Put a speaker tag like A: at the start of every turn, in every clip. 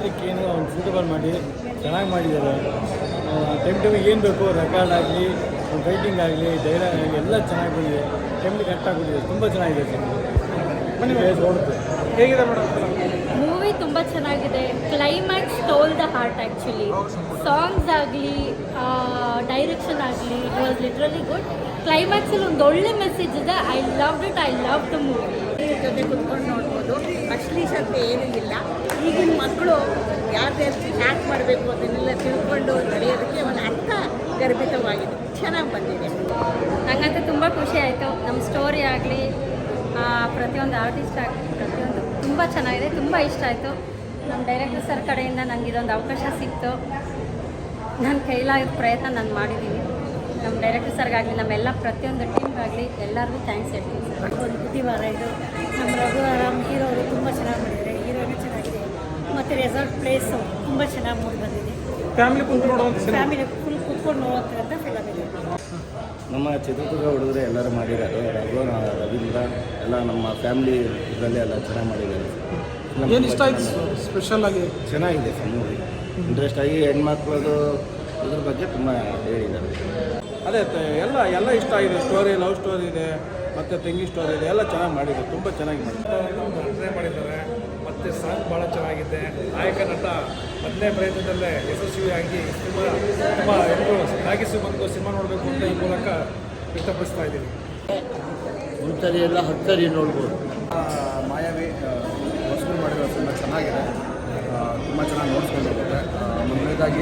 A: ಪಾತ್ರಕ್ಕೆ ಏನು ಒಂದು ಸೂಟಬಲ್ ಮಾಡಿ ಚೆನ್ನಾಗಿ ಮಾಡಿದ್ದಾರೆ. ಟೈಮಿಗೆ ಏನು ಬೇಕು ರೆಕಾರ್ಡ್ ಆಗಲಿ, ರೈಟಿಂಗ್ ಆಗಲಿ, ಡೈಲಾಗ್ ಆಗಲಿ ಎಲ್ಲ ಚೆನ್ನಾಗಿ ಬಂದಿದೆ. ಟೈಮಿಗೆ ಕರೆಕ್ಟಾಗಿ ತುಂಬ ಚೆನ್ನಾಗಿದೆ ಸರ್. ನೋಡುತ್ತೆ
B: ಹೇಗಿದೆ ಮೇಡಮ್?
C: ಮೂವಿ ತುಂಬ ಚೆನ್ನಾಗಿದೆ. Climax stole the heart actually. Songs ಆಗಲಿ, ಡೈರೆಕ್ಷನ್ ಆಗಲಿ, ಇಟ್ ವಾಸ್ ಲಿಟ್ರಲಿ ಗುಡ್. ಕ್ಲೈಮ್ಯಾಕ್ಸಲ್ಲಿ ಒಂದು ಒಳ್ಳೆ ಮೆಸೇಜ್ ಇದೆ. I love it, I love the movie.
D: ಜೊತೆ ಕುತ್ಕೊಂಡು ನೋಡ್ಬೋದು. ಅಶ್ಲೀಲತೆ ಏನೂ ಇಲ್ಲ. ಈಗಿನ ಮಕ್ಕಳು ಯಾವ್ದು ಹ್ಯಾಕ್ ಮಾಡಬೇಕು ಅದನ್ನೆಲ್ಲ ತಿಳ್ಕೊಂಡು ನಡೆಯೋದಕ್ಕೆ ಒಂದು ಅರ್ಥ ಗರ್ಭಿತವಾಗಿದೆ. ಚೆನ್ನಾಗಿ ಬಂದಿದೆ.
C: ನನಗಂತೂ ತುಂಬ ಖುಷಿ ಆಯಿತು. ನಮ್ಮ ಸ್ಟೋರಿ ಆಗಲಿ, ಪ್ರತಿಯೊಂದು ಆರ್ಟಿಸ್ಟ್ ಆಗಲಿ, ಪ್ರತಿಯೊಂದು ತುಂಬ ಚೆನ್ನಾಗಿದೆ. ತುಂಬ ಇಷ್ಟ ಆಯಿತು. ನಮ್ಮ ಡೈರೆಕ್ಟರ್ ಸರ್ ಕಡೆಯಿಂದ ನನಗೆ ಇದೊಂದು ಅವಕಾಶ ಸಿಕ್ತು. ನನ್ನ ಕೈಲಾದ ಪ್ರಯತ್ನ ನಾನು ಮಾಡಿದ್ದೀನಿ. ನಮ್ಮ ಡೈರೆಕ್ಟರ್ ಸರ್ಗಾಗಲಿ, ನಮ್ಮೆಲ್ಲ ಪ್ರತಿಯೊಂದು ಟೀಮ್ಗಾಗಲಿ ಎಲ್ಲರಿಗೂ ಥ್ಯಾಂಕ್ಸ್ ಹೇಳ್ತೀನಿ ಸರ್.
E: ಒಂದು ಬುದ್ಧಿವಾರ ಇದು. ನಮ್ಮ ರಘುವರಾಮ್ ಹೀರೋ ಅವರು ತುಂಬ ಚೆನ್ನಾಗಿ ಮಾಡಿದ್ದಾರೆ. ಹೀರೋನೇ ಚೆನ್ನಾಗಿದೆ. ಮತ್ತು ರೆಸಾರ್ಟ್ ಪ್ಲೇಸು ತುಂಬ ಚೆನ್ನಾಗಿ ಮೂಡಿ ಬಂದಿದೆ.
B: ಫ್ಯಾಮಿಲಿ ಕುಂತು ನೋಡುವಂಥ
E: ಫ್ಯಾಮಿಲಿ ಫುಲ್ ಕೂತ್ಕೊಂಡು ನೋಡುವಂಥ ಫಿಲಮ್ ಇದೆ.
A: ನಮ್ಮ ಚಿತ್ರದುರ್ಗ ಹುಡುಗರು ಎಲ್ಲರೂ ಮಾಡಿದ್ದಾರೆ. ರವೀಂದ್ರ ಎಲ್ಲ ನಮ್ಮ ಫ್ಯಾಮಿಲಿ ಇದರಲ್ಲಿ ಎಲ್ಲ ಚೆನ್ನಾಗಿ ಮಾಡಿದ್ದಾರೆ.
B: ಏನು ಇಷ್ಟ ಆಯ್ತು ಸ್ಪೆಷಲ್ ಆಗಿ?
A: ಚೆನ್ನಾಗಿದೆ ಸರ್ ಮೂವಿ. ಇಂಟ್ರೆಸ್ಟ್ ಆಗಿ ಹೆಣ್ಮಕ್ಳದು ಇದ್ರ ಬಗ್ಗೆ ತುಂಬ ಹೇಳಿದ್ದಾರೆ.
B: ಅದೇ ಎಲ್ಲ ಇಷ್ಟ ಆಗಿದೆ. ಸ್ಟೋರಿ, ಲವ್ ಸ್ಟೋರಿ ಇದೆ, ಮತ್ತು ತೆಂಗಿ ಸ್ಟೋರಿ ಇದೆ, ಎಲ್ಲ ಚೆನ್ನಾಗಿ ಮಾಡಿದ್ದಾರೆ. ತುಂಬ ಚೆನ್ನಾಗಿ ಮಾಡಿದ್ದಾರೆ. ಮತ್ತು ಸಾಂಗ್ ಭಾಳ ಚೆನ್ನಾಗಿದೆ. ನಾಯಕ ನಟ ಮೊದಲನೇ ಪ್ರಯತ್ನದಲ್ಲೇ ಯಶಸ್ವಿಯಾಗಿ ತುಂಬ ಎಲ್ಲರೂ ಸಾಗಿಸಿ ಬಂದು ಸಿನಿಮಾ ನೋಡಬೇಕು ಅಂತ ಈ ಮೂಲಕ ವ್ಯಕ್ತಪಡಿಸ್ತಾ ಇದ್ದೀವಿ.
A: ಒಂದ್ಸರಿ ಎಲ್ಲ 10 ಸರಿ ನೋಡ್ಬೋದು.
F: ಮಾಯಾವಿ ಹೊಸಬರು ಮಾಡಿರೋ ಸಿನಿಮಾ ಚೆನ್ನಾಗಿದೆ. ತುಂಬ ಚೆನ್ನಾಗಿ ನೋಡ್ಸ್ಕೊಂಡು ಹೋಗುತ್ತೆ. ಮೊದಲನೇದಾಗಿ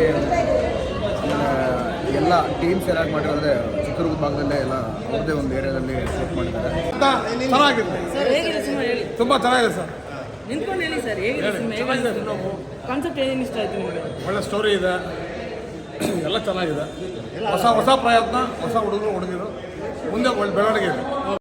F: ಎಲ್ಲ ಟೀಮ್ಸ್ ಏನಾಗಿ ಮಾಡಿರೋದ್ರೆ ಚಿತ್ರದುರ್ಗ ಭಾಗದಲ್ಲೇ ಎಲ್ಲ ಅವ್ರದ್ದೇ ಒಂದು ಏರಿಯಾದಲ್ಲಿ ಶೂಟ್ ಮಾಡಿದ್ದಾರೆ.
B: ಚೆನ್ನಾಗಿದೆ, ತುಂಬ ಚೆನ್ನಾಗಿದೆ ಸರ್.
G: ನಿಂತ್ಕೊಂಡು ಹೇಳಿ ಸರ್, ಹೇಗಿದೆ ಕಾನ್ಸೆಪ್ಟ್ ಏನು ಇಷ್ಟ ಆಯ್ತು ನಿಮಗೆ?
B: ಒಳ್ಳೆ ಸ್ಟೋರಿ ಇದೆ, ಎಲ್ಲ ಚೆನ್ನಾಗಿದೆ. ಹೊಸ ಪ್ರಯತ್ನ, ಹೊಸ ಹುಡುಗರು ಹುಡುಗಿರು ಮುಂದೆ ಒಳ್ಳೆ ಬೆಳವಣಿಗೆ ಇದೆ.